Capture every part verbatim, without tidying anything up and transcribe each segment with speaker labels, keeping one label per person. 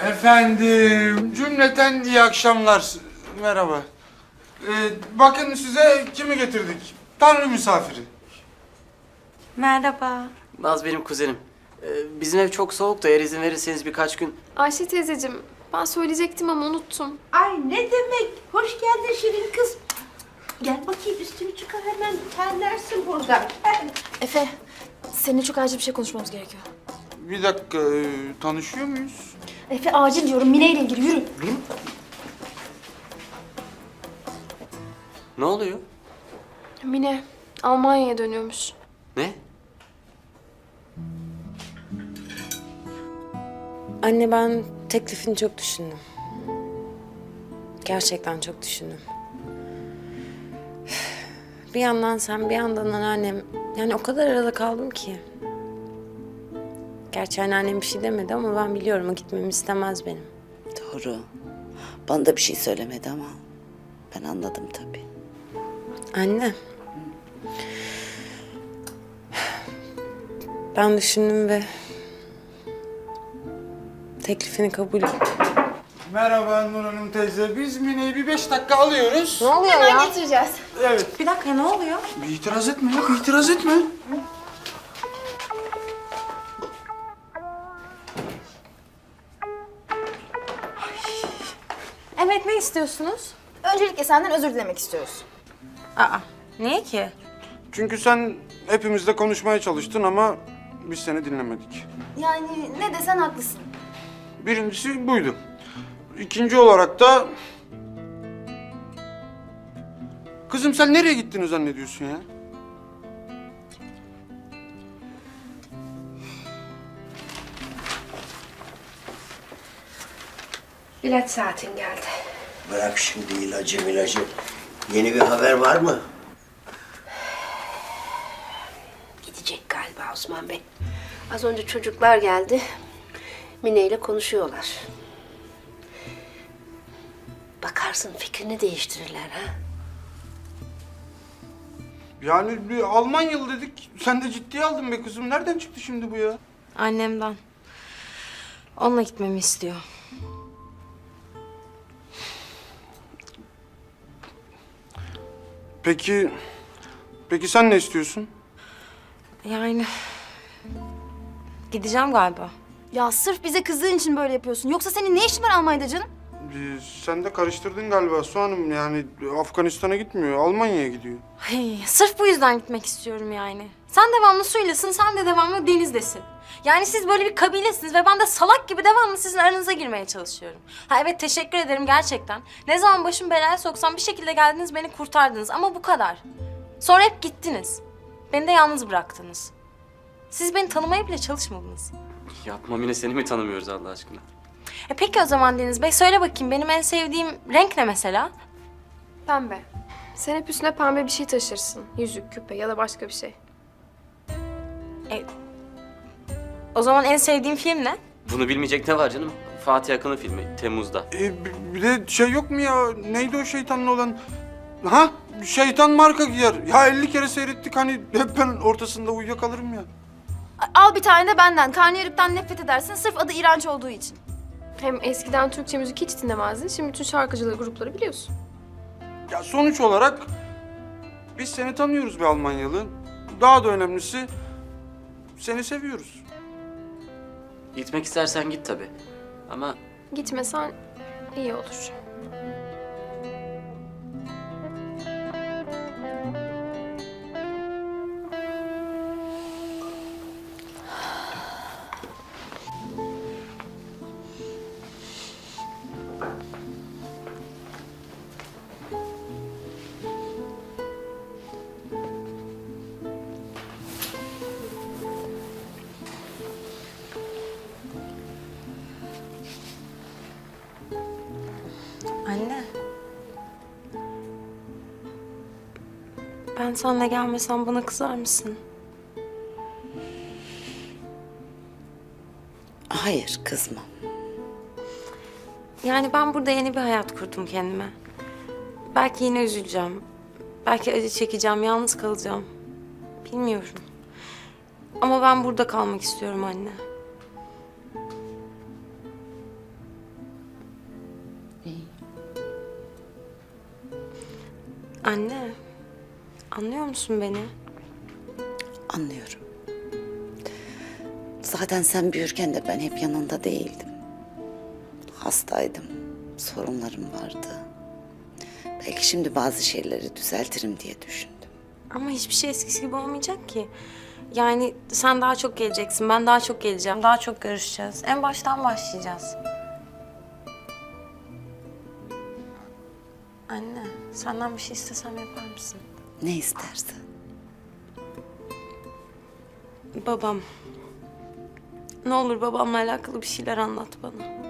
Speaker 1: Efendim, cümleten iyi akşamlar. Merhaba. Ee, bakın size kimi getirdik? Tanrı misafiri.
Speaker 2: Merhaba.
Speaker 3: Naz benim kuzenim. Ee, bizim ev çok soğuk da eğer izin verirseniz birkaç gün...
Speaker 4: Ayşe teyzeciğim, ben söyleyecektim ama unuttum.
Speaker 5: Ay ne demek? Hoş geldin Şirin kız. Gel bakayım üstünü çıkar hemen terlersin buradan.
Speaker 6: Efe, seninle çok acil bir şey konuşmamız gerekiyor.
Speaker 1: Bir dakika, e, tanışıyor muyuz?
Speaker 6: Efe acil diyorum, Mine ile ilgili yürü.
Speaker 3: Ne oluyor?
Speaker 4: Mine, Almanya'ya dönüyormuş.
Speaker 3: Ne?
Speaker 2: Anne ben teklifini çok düşündüm. Gerçekten çok düşündüm. Bir yandan sen bir yandan anneannem. Yani o kadar arada kaldım ki. Gerçi anneannem bir şey demedi ama ben biliyorum o gitmemi istemez benim.
Speaker 5: Doğru. Bana da bir şey söylemedi ama ben anladım tabii.
Speaker 2: Anne. Ben düşündüm ve teklifini kabul ettim.
Speaker 1: Merhaba Nur Hanım teyze. Biz Mine'yi bir beş dakika alıyoruz.
Speaker 2: Ne oluyor
Speaker 6: Hemen
Speaker 2: ya?
Speaker 6: getireceğiz.
Speaker 1: Evet.
Speaker 2: Bir dakika ne oluyor?
Speaker 1: Bir itiraz etme yok, itiraz etme.
Speaker 2: Evet ne istiyorsunuz?
Speaker 6: Öncelikle senden özür dilemek istiyoruz.
Speaker 2: Aa niye ki?
Speaker 1: Çünkü sen hepimizle konuşmaya çalıştın ama biz seni dinlemedik.
Speaker 6: Yani ne desen haklısın.
Speaker 1: Birincisi buydu. İkinci olarak da... Kızım sen nereye gittiğini zannediyorsun ya?
Speaker 5: İlaç saatin geldi.
Speaker 7: Bırak şimdi ilacı ilacı. Yeni bir haber var mı?
Speaker 5: Gidecek galiba Osman Bey. Az önce çocuklar geldi. Mine ile konuşuyorlar. Bakarsın fikrini değiştirirler ha.
Speaker 1: Yani bir Almanyalı dedik. Sen de ciddiye aldın be kızım. Nereden çıktı şimdi bu ya?
Speaker 2: Annemden. Onunla gitmemi istiyor.
Speaker 1: Peki... Peki sen ne istiyorsun?
Speaker 2: Yani gideceğim galiba.
Speaker 6: Ya sırf bize kızdığın için böyle yapıyorsun. Yoksa senin ne işin var Almanya'da canım?
Speaker 1: Ee, sen de karıştırdın galiba Su Hanım. Yani Afganistan'a gitmiyor, Almanya'ya gidiyor.
Speaker 2: Ay, sırf bu yüzden gitmek istiyorum yani. Sen devamlı suylasın, sen de devamlı denizdesin. Yani siz böyle bir kabilesiniz ve ben de salak gibi devamlı sizin aranıza girmeye çalışıyorum. Ha evet teşekkür ederim gerçekten. Ne zaman başım belaya soksam bir şekilde geldiniz beni kurtardınız ama bu kadar. Sonra hep gittiniz. Beni de yalnız bıraktınız. Siz beni tanımaya bile çalışmadınız.
Speaker 3: Yapma Mine, seni mi tanımıyoruz Allah aşkına?
Speaker 2: E peki o zaman Deniz Bey söyle bakayım benim en sevdiğim renk ne mesela?
Speaker 4: Pembe. Sen hep üstüne pembe bir şey taşırsın. Yüzük, küpe ya da başka bir şey.
Speaker 2: E, o zaman en sevdiğim film ne?
Speaker 3: Bunu bilmeyecek ne var canım? Fatih Akın'ın filmi Temmuz'da.
Speaker 1: Ee, bi- bir de şey yok mu ya? Neydi o şeytanlı olan? Ha? Şeytan marka giyer. Ya elli kere seyrettik hani hep ben ortasında uyuyakalırım ya.
Speaker 6: Al bir tane de benden. Karnıyarıktan nefret edersin sırf adı iğrenç olduğu için.
Speaker 4: Hem eskiden Türkçe müzik hiç dinlemezdin. Şimdi bütün şarkıcıları, grupları biliyorsun.
Speaker 1: Ya sonuç olarak biz seni tanıyoruz be Almanyalı. Daha da önemlisi seni seviyoruz.
Speaker 3: Gitmek istersen git tabii. Ama
Speaker 4: Gitmesen iyi olur.
Speaker 2: Anne. Ben seninle gelmesem bana kızar mısın?
Speaker 5: Hayır kızma.
Speaker 2: Yani ben burada yeni bir hayat kurdum kendime. Belki yine üzüleceğim. Belki acı çekeceğim, yalnız kalacağım. Bilmiyorum. Ama ben burada kalmak istiyorum anne. Anne, anlıyor musun beni?
Speaker 8: Anlıyorum. Zaten sen büyürken de ben hep yanında değildim. Hastaydım, sorunlarım vardı. Belki şimdi bazı şeyleri düzeltirim diye düşündüm.
Speaker 2: Ama hiçbir şey eskisi gibi olmayacak ki. Yani sen daha çok geleceksin, ben daha çok geleceğim, daha çok görüşeceğiz. En baştan başlayacağız. Anne, senden bir şey istesem yapar mısın?
Speaker 8: Ne istersen.
Speaker 2: Babam. Ne olur babamla alakalı bir şeyler anlat bana.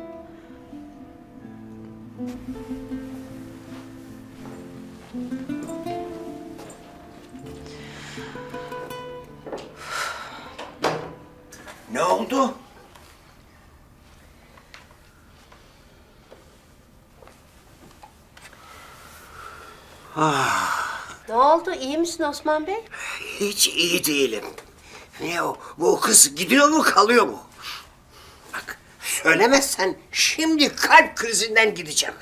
Speaker 7: Ne oldu?
Speaker 5: Ne oldu? İyi misin Osman Bey?
Speaker 7: Hiç iyi değilim. Ne o? Bu kız gidiyor mu kalıyor mu? Bak söylemezsen şimdi kalp krizinden gideceğim.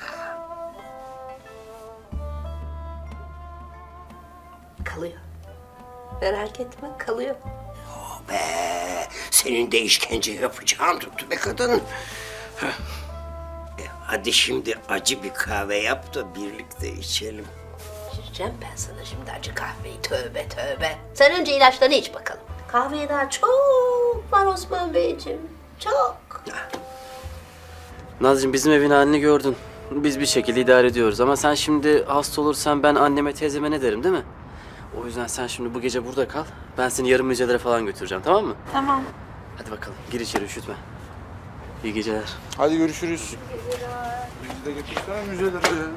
Speaker 5: Kalıyor. Merak etme, kalıyor.
Speaker 7: Oh be, senin de işkence yapacağın tuttu be kadın. Heh. E, hadi şimdi acı bir kahve yap da birlikte içelim.
Speaker 5: İçireceğim ben sana şimdi acı kahveyi. Tövbe tövbe. Sen önce ilaçlarını iç bakalım. Kahveye daha çok var Osman Beyciğim. Çok.
Speaker 3: Nazcığım bizim evin halini gördün. Biz bir şekilde idare ediyoruz ama sen şimdi hasta olursan ben anneme teyzeme ne derim değil mi? O yüzden sen şimdi bu gece burada kal. Ben seni yarın müzelere falan götüreceğim, tamam mı?
Speaker 2: Tamam.
Speaker 3: Hadi bakalım gir içeri, üşütme. İyi geceler.
Speaker 1: Hadi görüşürüz. Bizi de götürsene müzelere ya.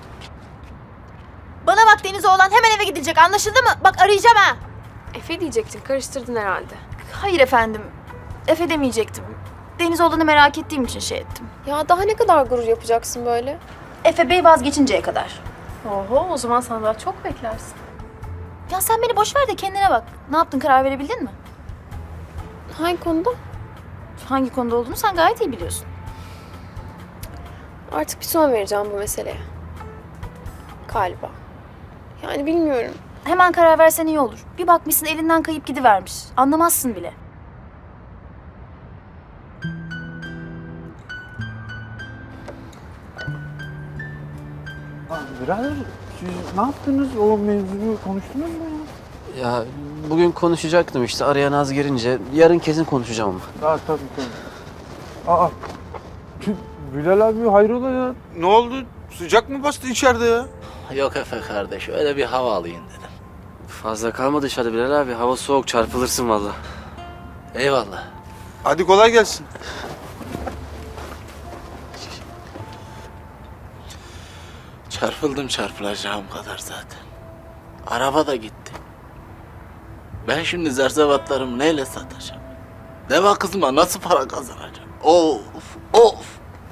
Speaker 6: Bana bak Deniz oğlan, hemen eve gidilecek, anlaşıldı mı? Bak arayacağım ha.
Speaker 4: Efe diyecektin, karıştırdın herhalde.
Speaker 6: Hayır efendim. Efe demeyecektim. Deniz oğlanı merak ettiğim için şey ettim.
Speaker 4: Ya daha ne kadar gurur yapacaksın böyle?
Speaker 6: Efe Bey vazgeçinceye kadar.
Speaker 4: Oho, o zaman sen daha çok beklersin.
Speaker 6: Ya sen beni boş ver de kendine bak. Ne yaptın, karar verebildin mi?
Speaker 4: Hangi konuda?
Speaker 6: Hangi konuda olduğunu sen gayet iyi biliyorsun.
Speaker 4: Artık bir son vereceğim bu meseleye. Galiba. Yani bilmiyorum.
Speaker 6: Hemen karar versen iyi olur. Bir bakmışsın elinden kayıp gidivermiş. Anlamazsın bile.
Speaker 1: Birader siz ne yaptınız? O mevzuyu konuştunuz mu ya?
Speaker 3: Ya bugün konuşacaktım işte, araya Naz girince. Yarın kesin konuşacağım ama.
Speaker 1: Daha tabii tabii. Aa. tüh, Bilal abi hayrola ya? Ne oldu? Sıcak mı bastı içeride ya?
Speaker 9: Yok Efe kardeş, öyle bir hava alayım dedim.
Speaker 3: Fazla kalma dışarıda Bilal abi. Hava soğuk, çarpılırsın vallahi.
Speaker 9: Eyvallah.
Speaker 1: Hadi kolay gelsin.
Speaker 9: Çarpıldım çarpılacağım kadar zaten. Araba da gitti. Ben şimdi zerzevatlarımı neyle satacağım? Deva kızıma nasıl para kazanacağım? Of, of.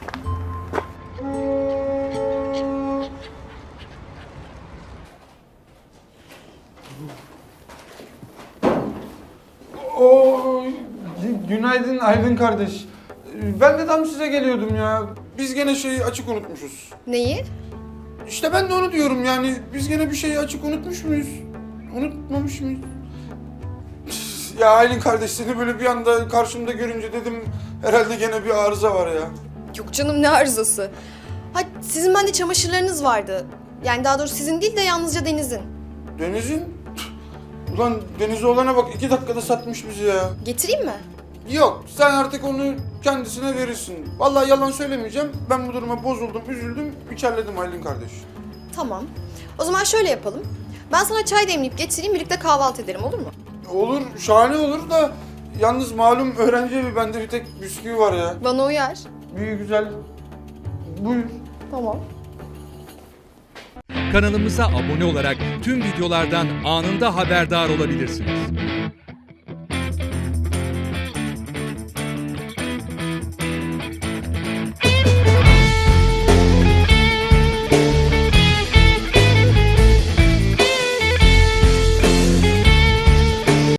Speaker 1: Oo, gü- günaydın Aydın kardeş. Ee, Ben de tam size geliyordum ya. Biz gene şeyi açık unutmuşuz.
Speaker 4: Neyi?
Speaker 1: İşte ben de onu diyorum yani. Biz gene bir şeyi açık unutmuş muyuz? Unutmamış mıyız? Ya Aylin kardeş seni böyle bir anda karşımda görünce dedim herhalde gene bir arıza var ya.
Speaker 10: Yok canım ne arızası. Ha sizin bende çamaşırlarınız vardı. Yani daha doğrusu sizin değil de yalnızca Deniz'in.
Speaker 1: Deniz'in? Ulan Deniz oğlana bak iki dakikada satmış bizi ya.
Speaker 10: Getireyim mi?
Speaker 1: Yok sen artık onu kendisine verirsin. Vallahi yalan söylemeyeceğim. Ben bu duruma bozuldum, üzüldüm, içerledim Aylin kardeş.
Speaker 10: Tamam. O zaman şöyle yapalım. Ben sana çay demleyip getireyim, birlikte kahvaltı edelim, olur mu?
Speaker 1: Olur, şahane olur da yalnız malum öğrenci evi bende bir tek bisküvi var ya.
Speaker 10: Bana uyar.
Speaker 1: Bir güzel. Buyur.
Speaker 10: Tamam.
Speaker 11: Kanalımıza abone olarak tüm videolardan anında haberdar olabilirsiniz.